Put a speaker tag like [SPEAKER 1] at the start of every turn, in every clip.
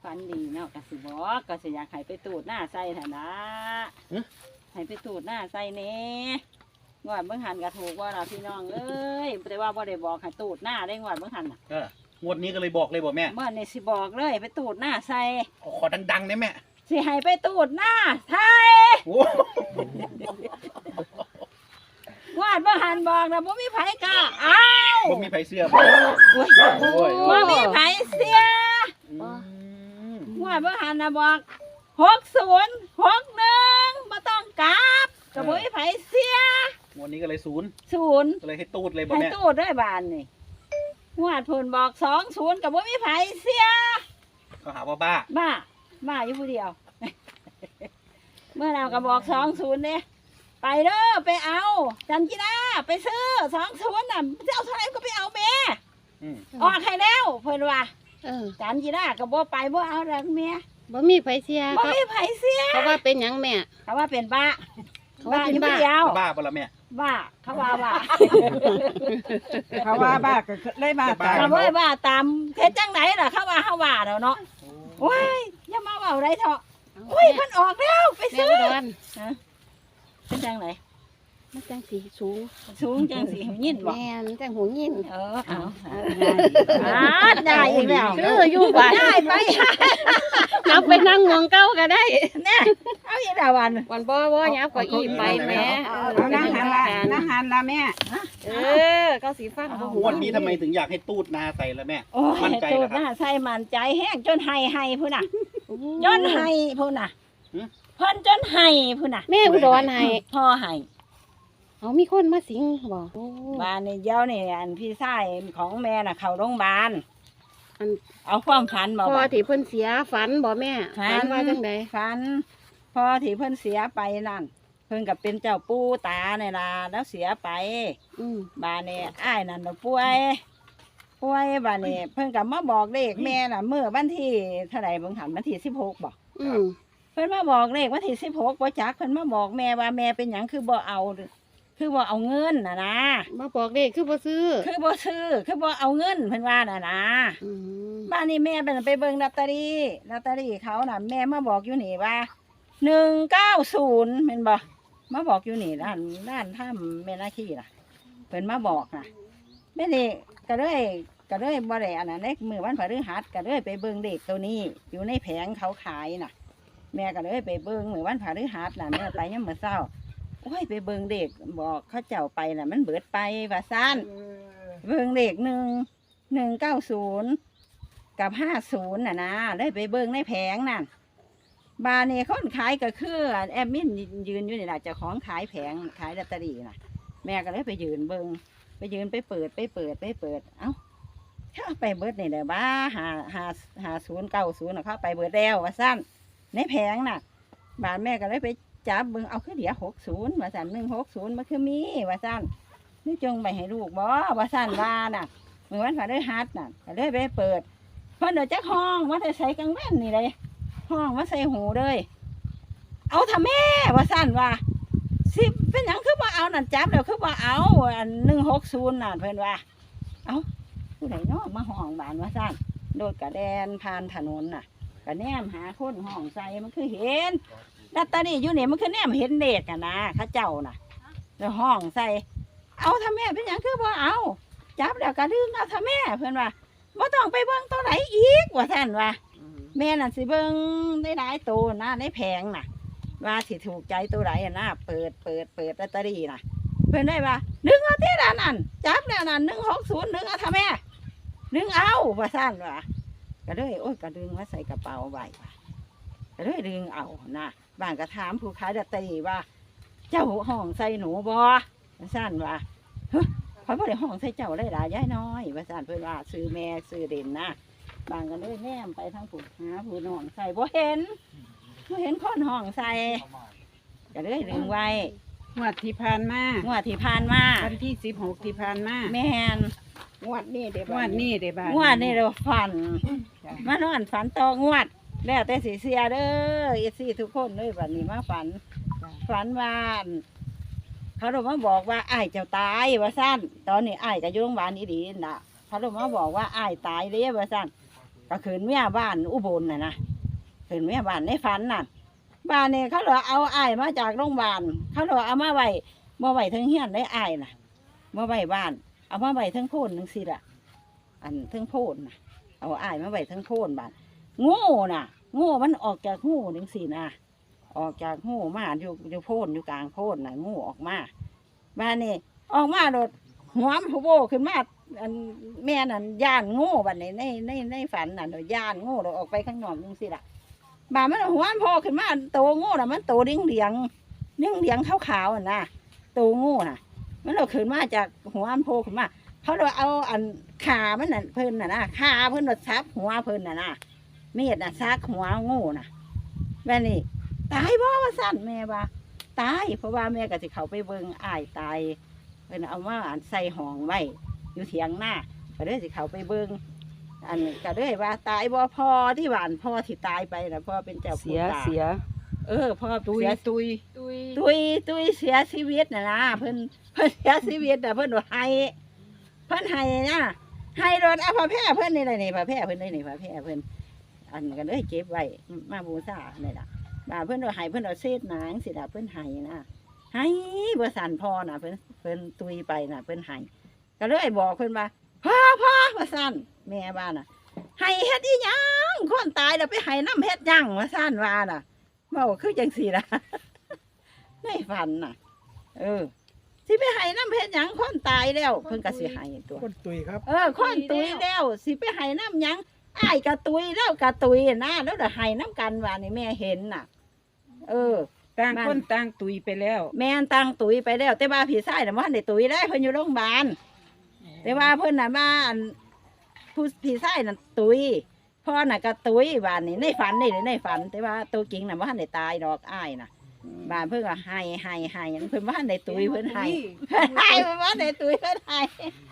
[SPEAKER 1] ฝันดีเนาะก็สิบอกก็สิอยากให้ไปตูดหน้าใส่ฐานะให้ไปตูดหน้าใส่เน่งวดเบิ่งหันก็ถูกว่าล่ะพี่น้องเอ้ยแต่ว่าบ่ได้บอกให้ตูดหน้าได้งวดเบิ่งหันน่ะ
[SPEAKER 2] งวดนี้ก็เลยบอกเลยบอกแม่
[SPEAKER 1] เมื่อนี่สิบอกเลยไปตูดหน้าใส่
[SPEAKER 2] ขอดังๆได้แม่
[SPEAKER 1] สิให้ไปตูดหน้าใส่งวดเบิ่งหันบอกนะบ่มีไผกล้าอ้าว
[SPEAKER 2] บ่มีไผเสื้อ
[SPEAKER 1] บ่มีไผเสียงวดเบิ่งหันน่ะบอก60 61บ่ต้องกลับก็บ่มีไผเสีย
[SPEAKER 2] งวดนี้ก็เลย0ก็เลยให้ตูดเลยบอกแม่
[SPEAKER 1] ให้ตูดด้วยบานนี่งวดเพิ่นบอก20ก็บ่มีไผเสีย
[SPEAKER 2] เขาหาว่าบ้า
[SPEAKER 1] อยู่ผู้เดียวเมื่อเราก็บอก20เด้ไปเด้อไปเอาจันจีน่าไปซื้อ20น่ะจะเอาเท่าไหร่ก็ไปเอาแม่ออกให้แล้วเพิ่นว่าจันจีน่าก็บ่ไปบ่เอาแล้วแม่
[SPEAKER 3] บ่มีไผเสีย
[SPEAKER 1] บ่มีไผเสีย
[SPEAKER 3] เขาว่าเป็นหยังแม่
[SPEAKER 1] เขาว่าเป็นบ้า
[SPEAKER 3] เขาว่าเป็นบ้า
[SPEAKER 2] บ่ล่ะแม่
[SPEAKER 1] บ้าเขาว่าบ้า
[SPEAKER 4] เขาว่าบ้าก็เลยบ้าตาม
[SPEAKER 1] เขาว่าบ้าตามเฮ็ดจังไหนล่ะเขาว่าเฮาว่าแล้วเนาะโอ้ยอย่ามาเว้าได้เถาะโอ้ยเพิ่นออกแล้วไปซื้อเป็นจังไหน
[SPEAKER 3] มันจังสีสูง
[SPEAKER 1] จังสีหูยินบ่
[SPEAKER 3] แม่นจังหูยิน
[SPEAKER 1] เอาได้อีกแล้ว
[SPEAKER 3] คืออยู่บ้าน
[SPEAKER 1] ได้ไป
[SPEAKER 3] เอาไปนั่งงวงเก้าก็ได้
[SPEAKER 1] เนี่ยเอาอีกแล้ววัน
[SPEAKER 3] บ่ยับก็อีไปแม่
[SPEAKER 4] นั่งหันละแม่
[SPEAKER 3] ก็สีฟ้า
[SPEAKER 2] งวดนี้ทำไมถึงอยากให้ตูดนาใส่ละแม่
[SPEAKER 1] มั่นใจตูดนาใส่มั่นใจแห้งจนไห้พุ่นน่ะจนไห้พุ่นน่ะเพิ่นจนไห้พุ่นน่ะ
[SPEAKER 3] แม่อุดรไห้
[SPEAKER 1] พ่อไห้
[SPEAKER 3] เอามีคนมาสิงบ่
[SPEAKER 1] บ้านนี่เดี๋ยวนี่อันพี่ชายของแม่น่ะเข้าโรงพยาบาลเอาความฝันบ่
[SPEAKER 3] พ่อที่เพิ่นเสียฝันบ่แม่ฝันว่าจังได๋
[SPEAKER 1] ฝันพ่อที่เพิ่นเสียไปนั่นเพิ่นก็เป็นเจ้าปู่ตานี่ล่ะแล้วเสียไปบ้านนี่อ้ายนั่นป่วยบ้านนี่เพิ่นก็มาบอกเลขแม่น่ะมื้อวันที่เท่าใดเบิ่งหันวันที่16บ่เพิ่นมาบอกเลขวันที่16บ่จักเพิ่นมาบอกแม่ว่าแม่เป็นหยังคือบ่เอาเงินน่ะนะ
[SPEAKER 3] มาบอกเลขคือบ่ซื้อ
[SPEAKER 1] คือบ่เอาเงินเพิ่นว่าน่ะนะบ้านนี้แม่ไปเบิ่งลอตเตอรี่เขาน่ะแม่มาบอกอยู่นี่ว่า190แม่นบ่มาบอกอยู่นี่ด้านถ้ำแม่นาคีน่ะเพิ่นมาบอกน่ะแม่นี่ก็เลยบ่ได้อันนั้นเด้มื้อวันพฤหัสก็เลยไปเบิ่งเลขตัวนี้อยู่ในแผงเขาขายน่ะแม่ก็เลยไปเบิ่งมื้อวันพฤหัสน่ะแม่ไปยามมื้อเช้าโอ้ยไปเบิ่งเด็กบอกเขาเจ้าไปน่ะมันเบิดไปว่าซั่นเบิ่งเด็ก190กับ50น่ะนะเลยไปเบิ่งในแผงนั่นบานี่คนขายก็คือแอดมินยืนอยู่นี่ล่ะเจ้าของขายแผงขายลอตเตอรี่น่ะแม่ก็เลยไปยืนเบิ่งไปเปิดเอ้าถ้าไปเบิดนี่ได้บ่5090น่ะเขาไปเบิดแล้วว่าซั่นในแผงน่ะบาแม่ก็เลยไปจับเบิ่งเอาคือเดี๋ยว60ว่าซั่น160มันคือมีว่าซั่นนี่จงไปให้ลูกบ่ว่าซั่นว่าน่ะเมื่อวันพฤหัสน่ะก็เลยไปเปิดเพิ่นเดี๋ยวจักห้องว่าจะใส่กลางวันนี่เลยห้องมาใส่หูเลยเอาทำแม่ว่าซั่นว่าสิเป็นหยังคือบ่เอานั่นจับแล้วคือบ่เอาอัน160น่ะเพิ่นว่าเอ้าผู้ใดเนาะมาห้องบ้านว่าซั่นโดดกระแดนผ่านถนนน่ะก็แนมหาคนห้องใส่มันคือเห็นลอตเตอรี่อยู่นี่มันคือแนมเห็นเด็กอะนะข้าเจ้าน่ะแล้วห้องใส่เอาทำแม่เป็นอย่างคือบ่เอาจับแล้วก็ดึงเอาทำแม่เพื่อนว่าบ่ต้องไปเบิ่งตัวไหนอีกว่าท่านว่าแม่น่ะสิเบิ่งได้หลายตัวนะในแผงน่ะว่าสิถูกใจตัวไหนนะเปิดลอตเตอรี่น่ะเพื่อนได้ว่าดึงเอาที่ด้านนั้นจับแล้วนั่น160ดึงเอาทำแม่ดึงเอาว่าท่านว่าก็เลยโอ้ยก็ดึงมาใส่กระเป๋าไว้ก็เลยดึงเอานะบ้านก็ถามผู้ขายลอตเตอรี่ว่าเจ้าห้องใส่หนูบ่สั่นว่าเขาบ่ได้ห้องใส่เจ้าได้หลายย้ายน้อยว่าสั่นเพิ่นว่าซื้อแม่ซื้อเด่นนะบางกันเลยแนมไปทางผู้หาผู้น้องใส่บ่เห็นคนห้องใส่ก็เลยดึงไว้
[SPEAKER 4] งวดที่ผ่านมา
[SPEAKER 1] วัน
[SPEAKER 4] ที่16ที่ผ่านมา
[SPEAKER 1] แม่นงวดนี้เด้บ้านเราฝันมานอนฝันต่องวดแล้วแต่สีเสียเด้อทุกคนเลยวันนี้มาฝันว่าเขาเรามาบอกว่าอ้ายเจ้าตายว่าสั้นตอนนี้อ้ายก็อยู่โรงพยาบาลดีๆน่ะเขาเรามาบอกว่าอ้ายตายเลยว่าสั้นก็คืนเมียบ้านอุบลนะคืนเมียบ้านในฝันน่ะบ้านนี่เขาเลยเอาอ้ายมาจากโรงพยาบาลเขาเลยเอามาไว้มาไว้ทั้งเฮียนได้อ้ายน่ะมาไว้บ้านเอามาไว้ทั้งโพนทั้งสิล่ะอันทั้งโพนน่ะเอาอ้ายมาไว้ทั้งโพนบ้านงูน่ะงูมันออกจากงูจังสินะออกจากงูมาอยู่โพนอยู่กลางโพนน่ะงูออกมาบ้านนี่ออกมาโดดหัวมันโผล่ขึ้นมาอันแม่นั่นย่านงูบัดนี้ในฝันน่ะโดยย่านงูเราออกไปข้างนอกจังสิล่ะบ้านมันหัวมันโผล่ขึ้นมาโตงูน่ะมันโตเลี้ยงขาวๆอ่ะนะโตงูน่ะมันเราขึ้นมาจากหัวมันโผล่ขึ้นมาเขาเราเอาอันขามันน่ะเพิ่นน่ะนะขาเพิ่นเราซับหัวเพิ่นน่ะนะเมีดน่ะซักหัวงูน่ะแม่นี่ตายบ่ว่าสั่นแม่ว่าตายเพราะว่าแม่ก็สิเขาไปเบิ่งอ้ายตายเพิ่นเอามาใส่ห้องไว้อยู่เถียงหน้าก็เลยสิเขาไปเบิ่งอันก็เลยว่าตายบ่พอที่หวานพ่อที่ตายไปน่ะพ่อเป็นเจ้า
[SPEAKER 4] เสี
[SPEAKER 1] ผู้
[SPEAKER 4] ย
[SPEAKER 1] ตา
[SPEAKER 4] เสีย
[SPEAKER 1] พ่อ
[SPEAKER 4] ตุย
[SPEAKER 1] เสีย
[SPEAKER 4] ตุย
[SPEAKER 1] ตุยเสียชีวิตน่ะนะเพิ่นเสียชีวิตน่ะเพิ่นให้นะให้รถเอาผ้าแพร่เพิ่นนี่แหละนี่ผ้าแพร่เพิ่นนี่ผ้าแพร่เพิ่นอันก็เลยเก็บไว้มาบูชานี่ล่ะว่าเพิ่นเอาให้เพิ่นเอาเศษหนังสิล่ะเพิ่นให้นะให้บ่สั่นพอน่ะเพิ่นตุยไปน่ะเพิ่นให้ก็เลยบอกเพิ่นว่าพ่อว่าสั่นแม่บ้านน่ะให้เฮ็ดอีหยังคนตายแล้วไปให้น้ำเฮ็ดหยังว่าสั่นว่าน่ะเว้าคือจังซี่ล่ะ ในฝันน่ะสิไปให้น้ำเฮ็ดหยังคนตายแล้วเพิ่นก็สิให้ตัว
[SPEAKER 5] คนตุยครับ
[SPEAKER 1] คนตุยแล้วสิไปให้น้ำหยังอ้ายกะตุยแล้วกะตุยนะแล้วเดี๋ยวให้น้ำกันว่านี่แม่เห็นน่ะ
[SPEAKER 4] ต่างคนต่างตุยไปแล้ว
[SPEAKER 1] แม่นตั้งตุยไปแล้ว แต่ว่าพี่ชายน่ะบ่ทันได้ตุยได้เพิ่นอยู่โรงพยาบาลแต่ว่าเพิ่นน่ะมาอันผู้พี่ชายน่ะตุยพ่อน่ะก็ตุยบ้านนี่ในฝันนี่ในฝัน แต่ว่าตัวจริงน่ะบ่ทันได้ตายดอกอ้ายน่ะบ้านเพิ่นก็ให้เพิ่นบ่ทันได้ตุยเพิ่นให้เพิ่นบ่ทันได้ตุยเพิ่นให้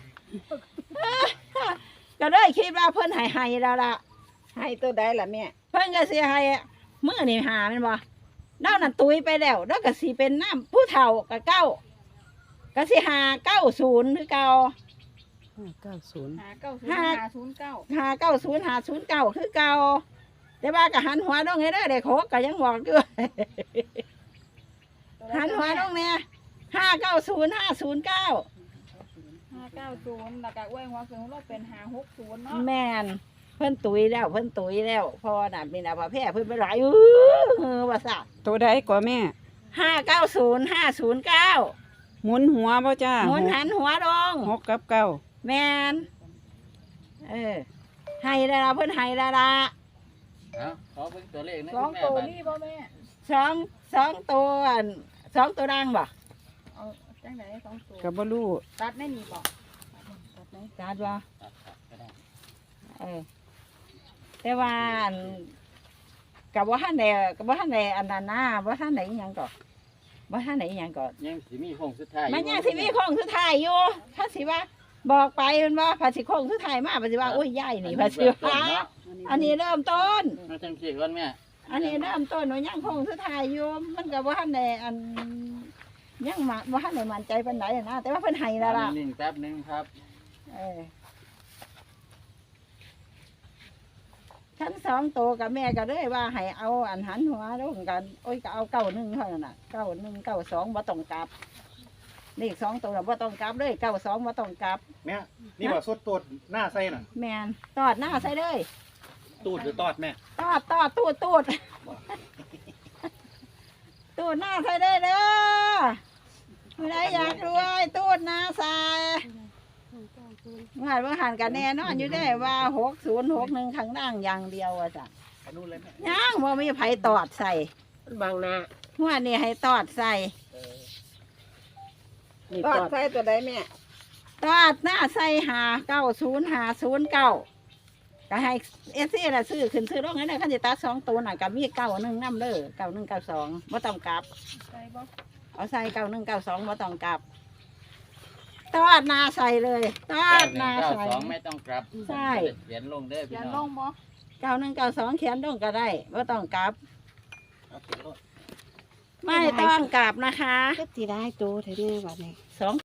[SPEAKER 1] ก็เลยคิดว่าเพิ่นให้แล้วล่ะ
[SPEAKER 4] ให้ตัวใดล่ะแม่
[SPEAKER 1] เพิ่นก็สิให้มื้อนี่หาแม่นบ่เนานั่นตุยไปแล้วแล้วก็สิเป็นน้ำผู้เฒ่าก็เก้าก็สิหา90คือเก่า
[SPEAKER 4] 90
[SPEAKER 1] 590 คือเก่าแต่ว่าก็หันหัวลงให้เด้อเด็กโคกก็ยังบอกอยู่ หันหัวลงเนี่ย590 509
[SPEAKER 6] แล้วก็อ้วยหัวคือเราเป็น560เนาะ
[SPEAKER 1] แม่นเพิ่นตุยแล้วพอน่ะมีน่ะพระแพร่เพิ่นไปหลายว่าซะ
[SPEAKER 4] ตัวใดกว่าแม่
[SPEAKER 1] 590 509
[SPEAKER 4] หมุนหัวบ่จ้า
[SPEAKER 1] หมุนหันหัวลง
[SPEAKER 4] 6กับเก้า
[SPEAKER 1] แม่นให้แล้วล่ะเพิ่นให้แล้วล่ะ
[SPEAKER 7] ขอเบิ่งตัวเลขนะ
[SPEAKER 6] สอง
[SPEAKER 7] คุณแม่
[SPEAKER 6] ตัว
[SPEAKER 7] บัด
[SPEAKER 6] นี่บ่แม่
[SPEAKER 1] สองตัวสองตัวดังบ่
[SPEAKER 6] เอาจังไหนสองตัว
[SPEAKER 4] ก็บ่รู้
[SPEAKER 6] ตัดไม่มีบ่
[SPEAKER 1] จัดบ่
[SPEAKER 7] ครับก็ได้
[SPEAKER 1] แต่ว่าอันกับว่าท่านใดอันนั้นนะว่าท่านใดหยังก่อนว่าท่านใดหยังก่อน
[SPEAKER 7] ยังสิมีโค้งสุดท้าย
[SPEAKER 1] มันยังสิมีโค้งสุดท้ายอยู่ถ้าสิว่าบอกไปมันว่าภาษีโค้งสุดท้ายมาภาษีว่าโอ้ยใหญ่นี่ภาษีว่าอันนี้เริ่มต้น
[SPEAKER 7] มาจังซี่ก่อนแม่
[SPEAKER 1] อันนี้เริ่มต้นว่ายังโค้งสุดท้ายอยู่มันกับว่าท่านใดอันยังมาว่าท่านใดมั่นใจปานใดนะแต่ว่าเพิ่นให้แล้วล่ะ
[SPEAKER 7] นิ่งๆแป๊บนึงครับ
[SPEAKER 1] ชั้นสองตัวกับแม่ก็เลยว่าให้เอาอันหันหัวลงกันโอ้ยก็เอา91เท่านั้นน่ะ91 92บ่ต้องกลับเลข2ตัวน่ะบ่ต้องกลับเลย92บ่ต้องกลับ
[SPEAKER 2] แม่นี่ว่าสดตัวหน้าไส้น่ะ
[SPEAKER 1] แม่นตอดหน้าใส่เลย
[SPEAKER 2] ตูดหรือตอดแม่
[SPEAKER 1] ตอดตูดตูดหน้าใส่ได้เด้อผู้ใดอยากรวยตูดหน้าใส่เมื่อหันกันแน่นอนอยู่ได้ว่า6061ข้างล่างอย่างเดียวอ่ะจ้ะ
[SPEAKER 2] ไปนู่นเลยแม่
[SPEAKER 1] ยังบ่มีไผตอดใส่
[SPEAKER 4] บางนา
[SPEAKER 1] หัวนี่ให้ตอดใส่
[SPEAKER 4] นี่ตอดใส่ตัวใดแม่
[SPEAKER 1] ตอดหน้าใส่590 509ก็ให้เอซี่ละซื้อขึ้นซื้อลงให้ได้คันสิตัด2ตัวน่ะก็มี91นำเด้อ91 92บ่ต้องกลับ
[SPEAKER 6] ใส่บ่
[SPEAKER 1] เอาใส่91 92บ่ต้องกลับตอดหน้าใส่เลยตอดหน้าใส่
[SPEAKER 7] 9192ไม่ต้องกลับ
[SPEAKER 1] ใช่
[SPEAKER 7] เขียนลงเด้อพี่
[SPEAKER 6] ยัน
[SPEAKER 7] น้
[SPEAKER 6] ล
[SPEAKER 7] อง
[SPEAKER 6] งบ่
[SPEAKER 1] 91 92เขียนลงก็ได้บ่ต้องกลับ
[SPEAKER 2] เอาเขียนรถ
[SPEAKER 1] ไม่ต้องกลับนะคะ
[SPEAKER 3] ก็สิได้ตัวเท่านี้บัดนี้
[SPEAKER 1] 2